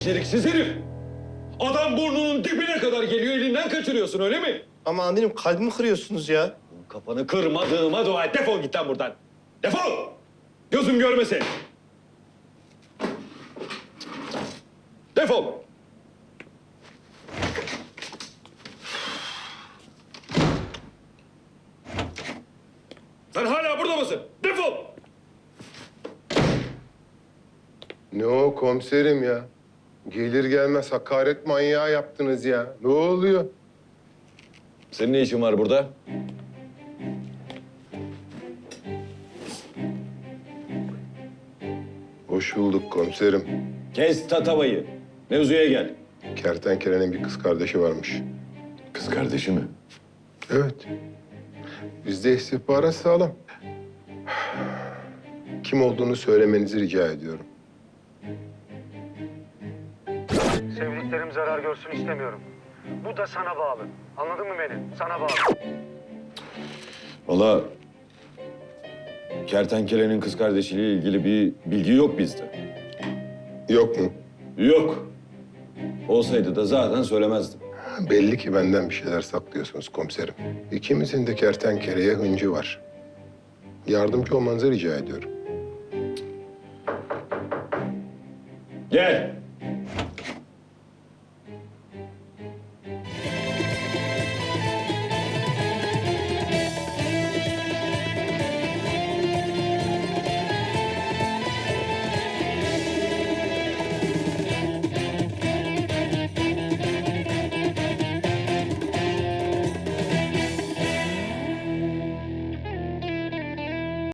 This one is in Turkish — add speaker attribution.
Speaker 1: Beceriksiz herif. Adam burnunun dibine kadar geliyor, elinden kaçırıyorsun öyle mi?
Speaker 2: Ama amirim kalbimi kırıyorsunuz ya.
Speaker 1: Kafanı kırmadığıma dua et. Defol git lan buradan. Defol! Gözüm görmesin. Defol! Sen hala burada mısın? Defol!
Speaker 3: Ne o komiserim ya? Gelir gelmez hakaret manyağı yaptınız ya. Ne oluyor?
Speaker 1: Senin ne işin var burada?
Speaker 3: Hoş bulduk komiserim.
Speaker 1: Kes tatavayı. Mevzuya gel.
Speaker 3: Kertenkelenin bir kız kardeşi varmış.
Speaker 1: Kız kardeşi mi?
Speaker 3: Evet. Bizde istihbarat sağlam. Kim olduğunu söylemenizi rica ediyorum.
Speaker 4: Sevdiklerim zarar görsün istemiyorum. Bu da sana bağlı. Anladın mı beni? Sana bağlı.
Speaker 1: Vallahi kertenkelenin kız kardeşiyle ilgili bir bilgi yok bizde.
Speaker 3: Yok mu?
Speaker 1: Yok. Olsaydı da zaten söylemezdim.
Speaker 3: Belli ki benden bir şeyler saklıyorsunuz komiserim. İkimizin de kertenkeleye hıncı var. Yardımcı olmanızı rica ediyorum.
Speaker 1: Gel.